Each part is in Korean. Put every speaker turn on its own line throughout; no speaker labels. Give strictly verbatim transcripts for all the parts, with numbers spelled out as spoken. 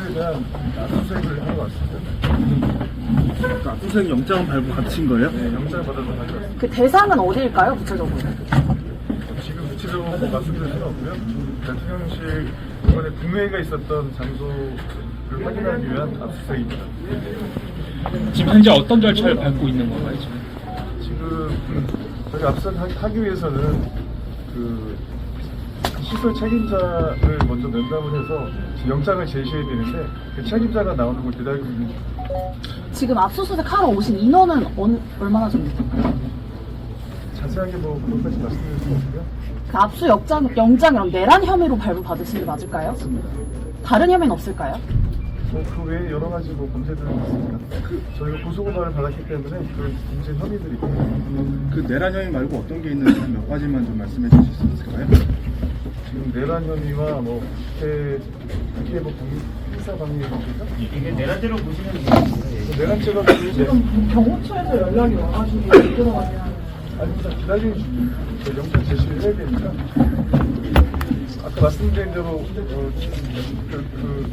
사실에 대한 압수수색을 하러 왔습니다.
압수수색 영장은 발부 받으신 거예요?
네, 영장을 받아서 가져왔습니다.
그 대상은 어디일까요, 구체적으로?
지금 구체적으로 뭐 말씀드릴 수는 없고요. 대통령실 이번에 국회가 있었던 장소를 확인하기 위한 압수수색입니다.
지금 현재 어떤 절차를 밟고 있는 건가요? 지금?
지금 저희 압수수색하기 위해서는 그 시설 책임자를 먼저 면담을 해서 영장을 제시해야 되는데 그 책임자가 나오는 걸 기다리고 있는 중.
지금 압수수색 하러 오신 인원은 어느, 얼마나 됩니까?
자세하게 뭐 그것까지 말씀드릴 수 없고요.
그 압수 영장, 영장이랑 내란 혐의로 발부 받으신 게 맞을까요?
맞습니다.
다른 혐의는 없을까요?
뭐 그 외에 여러 가지 뭐 범죄들이 있습니다. 그 저희가 고소고발을 받았기 때문에 그 범죄 혐의들이 있고
그 내란 혐의 말고 어떤 게 있는지 한 몇 가지만 좀 말씀해 주실 수 있을까요?
지금 내란 혐의와 뭐 국회 국회 뭐 행사 방해 혐의가
이게 내란대로 보시면 돼요.
내란죄가 지금
경호처에서 연락이 와가지고 들어가긴 하는.
아닙니다. 기다리는 중입니다. 저희 영장 제시를 해야 되니까 아까 말씀드린 대로 어, 그,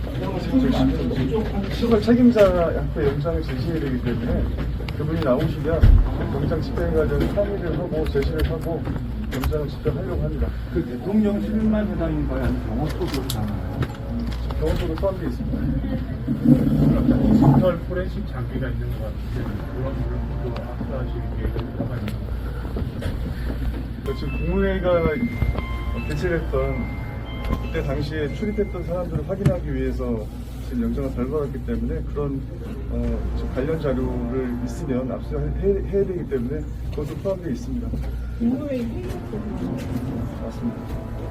그 시설 책임자 앞에 영장을 제시해야 되기 때문에 그분이 나오시면 영장 집행에 관련 상의를 하고 제시를 하고 영장을 집행하려고 합니다.
그 대통령실만 해당인가요? 아니면 경호처도 해당인가요?
경호처도 포함되어 있습니다.
디지털 포렌식 장비가 있는 것 같은데 그런 물론도 압수하실 계획을 들어가요.
지금 국무회의가 개최했던 그때 당시에 출입했던 사람들을 확인하기 위해서 지금 영장을 발부받았기 때문에 그런 어, 지금 관련 자료를 있으면 압수해야 되기 때문에 그것도 포함되어 있습니다.
국무회의 회의
맞습니다.